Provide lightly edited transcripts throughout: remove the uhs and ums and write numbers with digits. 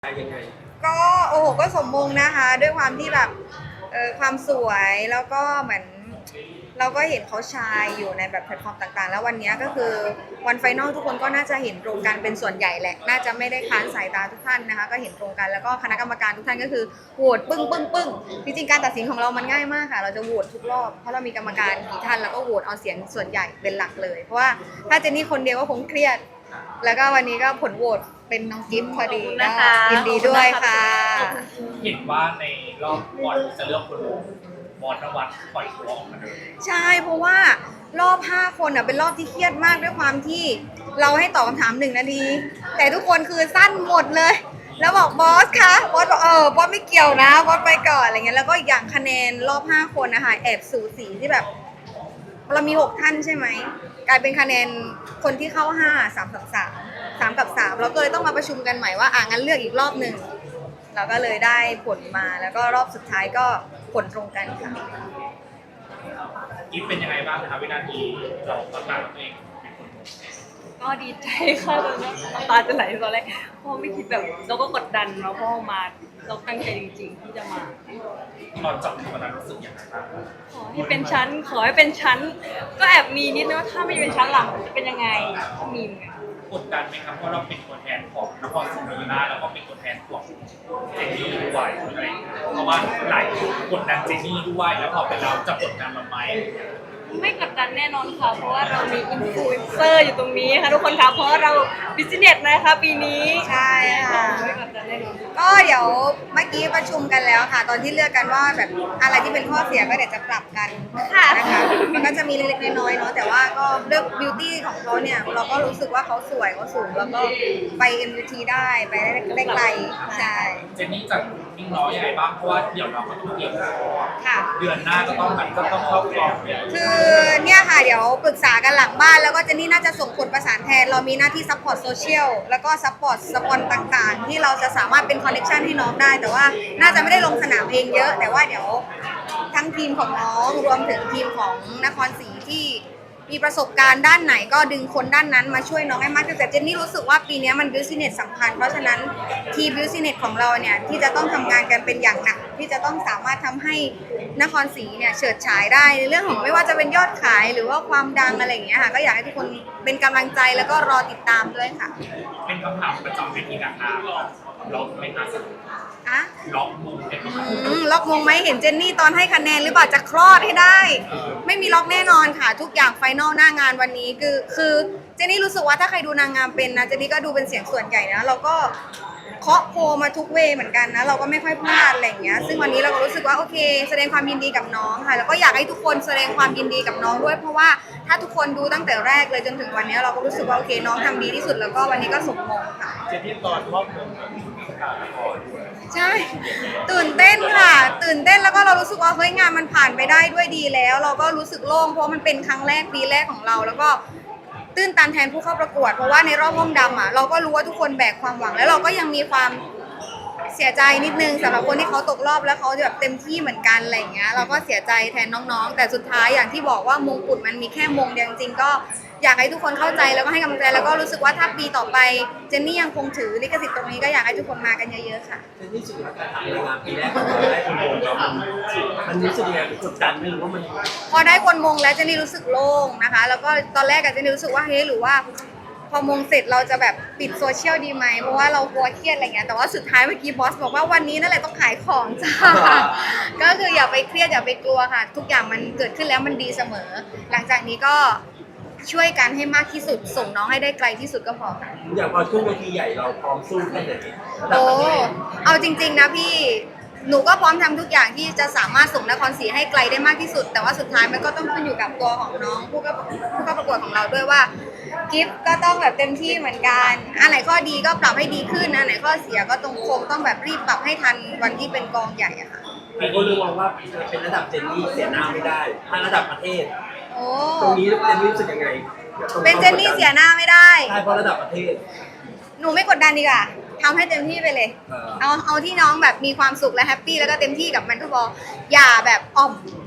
ยังไงก็โอ้โหก็สมมงนะคะด้วยความที่แบบความสวยแล้วก็เหมือนเราก็เห็นเขาชายอยู่ในแบบแพลตฟอร์มต่างๆแล้ววันนี้ก็คือวันไฟนอลทุกคนก็น่าจะเห็นตรงกันเป็นส่วนใหญ่แหละน่าจะไม่ได้ค้านสายตาทุกท่านนะคะก็เห็นตรงกันแล้วก็คณะกรรมการทุกท่านก็คือโหวตปึ้งปึ้งปึ้งจริงๆการตัดสินของเรามันง่ายมากค่ะเราจะโหวตทุกรอบเพราะเรามีกรรมการกี่ท่านแล้วก็โหวตเอาเสียงส่วนใหญ่เป็นหลักเลยเพราะว่าถ้าเจนนี่คนเดียวก็คงเครียดแล้วก็วันนี้ก็ผลโหวตเป็นน้องกิฟต์พอดีนะคะยินดีด้วยค่ะเห็นว่าในรอบบอลจะเลือกคนบอลนวัดปล่อยตัวออกมาเลยใช่เพราะว่ารอบ5คนเป็นรอบที่เครียดมากด้วยความที่เราให้ตอบคำถาม1 นาทีแต่ทุกคนคือสั้นหมดเลยแล้วบอกบอสคะบอสบอกบอสไม่เกี่ยวนะบอสไปก่อนอะไรเงี้ยแล้วก็อย่างคะแนนรอบ5คนนะคะแอบสูสีที่แบบเรามี6ท่านใช่ไหมกลายเป็นคะแนนคนที่เข้า5 3 กับ3เราก็เลยต้องมาประชุมกันใหม่ว่างั้นเลือกอีกรอบหนึ่งเราก็เลยได้ผลมาแล้วก็รอบสุดท้ายก็ผลตรงกันค่ะกิฟเป็นยังไงบ้างคะวินาทีเราประกาศตัวเองเป็นคนก็ดีใจค่ะตอนนี้น้ำตาจะไหลตอนแรกเพราะไม่คิดแบบเราก็กดดันเนาะเพราะมาเราตั้งใจจริงๆที่จะมาตอนจับวันนั้นรู้สึกยังไงบ้างขอให้เป็นชั้นขอให้เป็นชั้นก็แอบมีนิดนึงว่าถ้าไม่เป็นชั้นหลังจะเป็นยังไงก็มีเหมือนกันกดดันไหมครับเพราะเราเป็นตัวแทนของนครศรีธรรมราชแล้วก็เป็นตัวแทนของเจนนี่ด้วยอะไรเพราะว่าหลายกดดันเจนนี่ด้วยแล้วพอเป็นเราจะกดดันเราไหมไม่กดดันแน่นอนค่ะเพราะว่าเรามีอินฟลูเอนเซอร์อยู่ตรงนี้ค่ะทุกคนคะเพราะเราบิสเนสนะคะปีนี้ใช่ค่ะไม่กดดันแน่นอนก็เดี๋ยวเมื่อกี้ประชุมกันแล้วค่ะตอนที่เลือกกันว่าแบบอะไรที่เป็นข้อเสียก็เดี๋ยวจะปรับกันนะคะมันก็จะมีเล็กๆน้อยๆเนาะแต่ว่าก็เลือกบิวตี้ของเขาเนี่ยเราก็รู้สึกว่าเขาสวยเขาสูงแล้วก็ไป MUT ได้ไปได้ไกลใช่เจนนี่จะนิ่งน้อยยังไงบ้างเพราะว่าเดี๋ยวเราก็ต้องเตรียมค่ะเดือนหน้าก็ต้องเข้ากองคือเนี่ยค่ะเดี๋ยวปรึกษากันหลังบ้านแล้วก็เจนนี่น่าจะส่งคนประสานแทนเรามีหน้าที่ซัพพอร์ตโซเชียลแล้วก็ซัพพอร์ตสปอนต่างๆที่เราจะสามารถเป็นคอนเนคชั่นให้น้องได้แต่ว่าน่าจะไม่ได้ลงสนามเองเยอะแต่ว่าเดี๋ยวทั้งทีมของน้องรวมถึงทีมของนครศรีที่มีประสบการณ์ด้านไหนก็ดึงคนด้านนั้นมาช่วยน้องให้มากขึ้นแต่เจนนี่รู้สึกว่าปีนี้มันบิวสิเนสสำคัญเพราะฉะนั้นทีมบิวสิเนสของเราเนี่ยที่จะต้องทำงานกันเป็นอย่างหนักที่จะต้องสามารถทำให้นครศรีเนี่ยเฉิดฉายได้ในเรื่องของไม่ว่าจะเป็นยอดขายหรือว่าความดังอะไรอย่างเงี้ยค่ะก็อยากให้ทุกคนเป็นกำลังใจแล้วก็รอติดตามด้วยค่ะเป็นคำถามประจำเวทีนางงามล็อกไหมคะล็อกมงเป็นล็อกมงไหมเห็นเจนนี่ตอนให้คะแนนหรือเปล่าจะคลอดให้ได้ไม่มีล็อกแน่นอนค่ะทุกอย่างไฟนอลหน้างานวันนี้คือเจนนี่รู้สึกว่าถ้าใครดูนางงามเป็นนะเจนนี่ก็ดูเป็นเสียงส่วนใหญ่นะเราก็เคาะโพมาทุกเวเหมือนกันนะเราก็ไม่ค่อยพลาดอะไรอย่างเงี้ยซึ่งวันนี้เราก็รู้สึกว่าโอเคแสดงความยินดีกับน้องค่ะแล้วก็อยากให้ทุกคนแสดงความยินดีกับน้องด้วยเพราะว่าถ้าทุกคนดูตั้งแต่แรกเลยจนถึงวันนี้เราก็รู้สึกว่าโอเคน้องทำดีที่สุดแล้วก็วันนี้ก็สมมงค่ะเจนนี่ตอนมอบมงใช่ตื่นเต้นค่ะตื่นเต้นแล้วก็เรารู้สึกว่าเฮ้ยงานมันผ่านไปได้ด้วยดีแล้วเราก็รู้สึกโล่งเพราะมันเป็นครั้งแรกปีแรกของเราแล้วก็ตื้นตันแทนผู้เข้าประกวดเพราะว่าในรอบห้องดำเราก็รู้ว่าทุกคนแบกความหวังแล้วเราก็ยังมีความเสียใจนิดนึงสำหรับคนที่เขาตกรอบแล้วเขาแบบเต็มที่เหมือนกันอะไรอย่างเงี้ยเราก็เสียใจแทนน้องๆแต่สุดท้ายอย่างที่บอกว่ามงกุฎมันมีแค่มงเดียวจริงๆก็อยากให้ทุกคนเข้าใจแล้วก็ให้กำลังใจแล้วก็รู้สึกว่าถ้าปีต่อไปเจนนี่ยังคงถือลิขสิทธิ์ตรงนี้ก็อยากให้ทุกคนมากันเยอะๆค่ะเจนนี่สุดท้ายการทำงานปีแรกของเราได้คนมงแล้วมันรู้สึกยังไงกดดันไม่รู้ว่ามันพอได้คนมงแล้วเจนนี่รู้สึกโล่งนะคะแล้วก็ตอนแรกเจนนี่รู้สึกว่าเฮ้ยหรือว่าพอมงเสร็จเราจะแบบปิดโซเชียลดีไหมเพราะว่าเรากลัวเครียดอะไรเงี้ยแต่ว่าสุดท้ายเมื่อกี้บอสบอกว่าวันนี้นั่นแหละต้องขายของจ้าก็คืออย่าไปเครียดอย่าไปกลัวค่ะทุกอย่างมันเกิดขึ้นแล้วมันดีเสมอหลังจากนี้ก็ช่วยกันให้มากที่สุดส่งน้องให้ได้ไกลที่สุดก็พอค่ะอย่างพอขึ้นเวทีใหญ่เราพร้อมสู้แค่ไหนโอ้เอาจริงๆนะพี่หนูก็พร้อมทำทุกอย่างที่จะสามารถส่งนครศรีให้ไกลได้มากที่สุดแต่ว่าสุดท้ายมันก็ต้องขึ้นอยู่กับตัวของน้องผู้เข้าประกวดของเราด้วยว่ากิฟต์ก็ต้องแบบเต็มที่เหมือนกันอันไหนข้อดีก็ปรับให้ดีขึ้นอันไหนข้อเสียก็ต้องแบบรีบปรับให้ทันวันที่เป็นกองใหญ่อะค่ะมีคนมองว่าเป็นระดับเจนนี่เสียหน้าไม่ได้ถ้าระดับประเทศโอ้ตรงนี้เจนนี่รู้สึกยังไงเป็นเจนนี่เสียหน้าไม่ได้ใช่เพราะระดับประเทศหนูไม่กดดันดีกว่าทำให้เต็มที่ไปเลยเอาที่น้องแบบมีความสุขและแฮปปี้แล้วก็เต็มที่กับมันก็พออย่าแบบอ่อม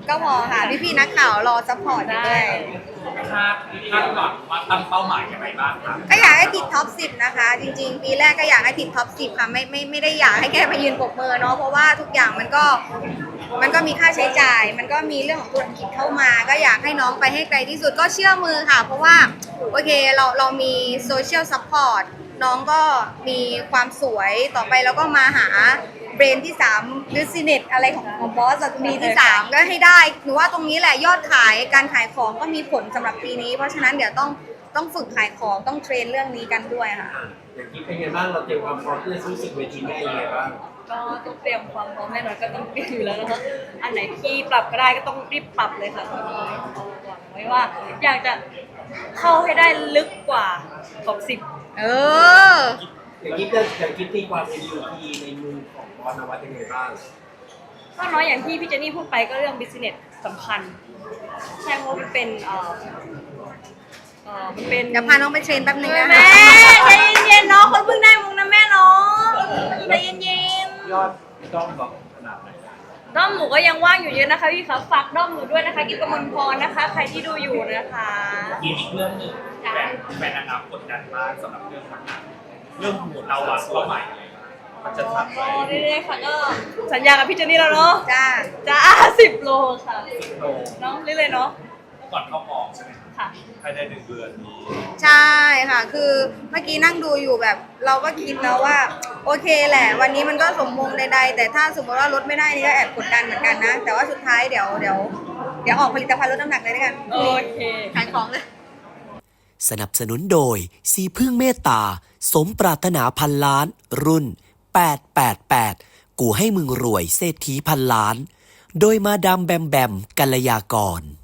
ก็พอค่ะ พี่ๆนักข่าวรอซัพพอร์ตอยู่ด้วยคาดหวังว่าตั้งเป้าหมายยังไงบ้างครับก็อยากให้ติดท็อป 10 นะคะ จริงๆ ปีแรกก็อยากให้ติดท็อป 10 ค่ะ ไม่ได้อยากให้แค่มายืนปรบมือเนาะเพราะว่าทุกอย่างมันก็มีค่าใช้จ่าย มันก็มีเรื่องของธุรกิจเข้ามา ก็อยากให้น้องไปให้ไกลที่สุดก็เชื่อมือค่ะ เพราะว่าโอเคเรามีโซเชียลซัพพอร์ตน้องก็มีความสวยต่อไปแล้วก็มาหาเบรนที่3 business อะไรของบอสมีที่ 3 ก็ให้ได้หนูว่าตรงนี้แหละยอดขายการขายของก็มีผลสำหรับปีนี้ เพราะฉะนั้นเดี๋ยวต้องฝึกขายของต้องเทรนเรื่องนี้กันด้วยค่ะอย่างที่เป็นไงบ้างเราเตรียมความพร้อมที่จะสู้ศึกเวทีแม่ยังไงบ้างก็ต้องเตรียมความพร้อมแน่นอนก็ต้องเตรียมอยู่แล้วนะคะอันไหนที่ปรับก็ได้ก็ต้องรีบปรับเลยค่ะหวังไว้ว่าอยากจะเข้าให้ได้ลึกกว่าท็อป 10 เอออย่างกิ๊บตีความเป็น UP ในมุมของบอสนวัตยังไงบ้างก็น้อยอย่างที่พี่เจนนี่พูดไปก็เรื่อง business สำคัญ ใช่เพราะมันเป็นมันเป็นเดี๋ยวพาน้องไปเทรนแป๊บนึงนะแม่ใจเย็นๆเนาะคนเพิ่งได้มุงนะแม่เนาะใจเย็นยอดด้อมบอกขนาดไหนๆด้อมหนูก็ยังว่างอยู่เยอะนะคะพี่คะฝากด้อมหนูด้วยนะคะกิฟกมลพรนะคะ ใครที่ดูอยู่นะคะอีกเรื่องหนึ่งแฟนนางงามกดดันมากสำหรับเรื่องมันเรื่องหุ่นเราวางเป้าหมายอะไรมันจะทำก็เรื่อยๆค่ะก็สัญญากับพี่เจนนี่แล้วเนาะจ้าจ้า10 โลค่ะ 10 โลเนาะเรื่อยๆเนาะก่อนเข้ามองใช่ไหมค่ะภายใน1 เดือนนี้ใช่ค่ะ คือเมื่อกี้นั่งดูอยู่แบบ เราก็คิดแล้วว่า โอเคแหละ วันนี้มันก็สมมงใดๆ แต่ถ้าสมมติว่าลดไม่ได้นี่ก็แอบกดดันเหมือนกันนะ แต่ว่าสุดท้ายเดี๋ยวออกผลิตภัณฑ์ลดน้ำหนักเลยด้วยกันโอเคขายของเลยสนับสนุนโดยสีพึ่งเมตตา สมปรารถนาพันล้าน รุ่น 888 กูให้มึงรวยเศรษฐีพันล้าน โดยมาดามแบมแบมกัลยากร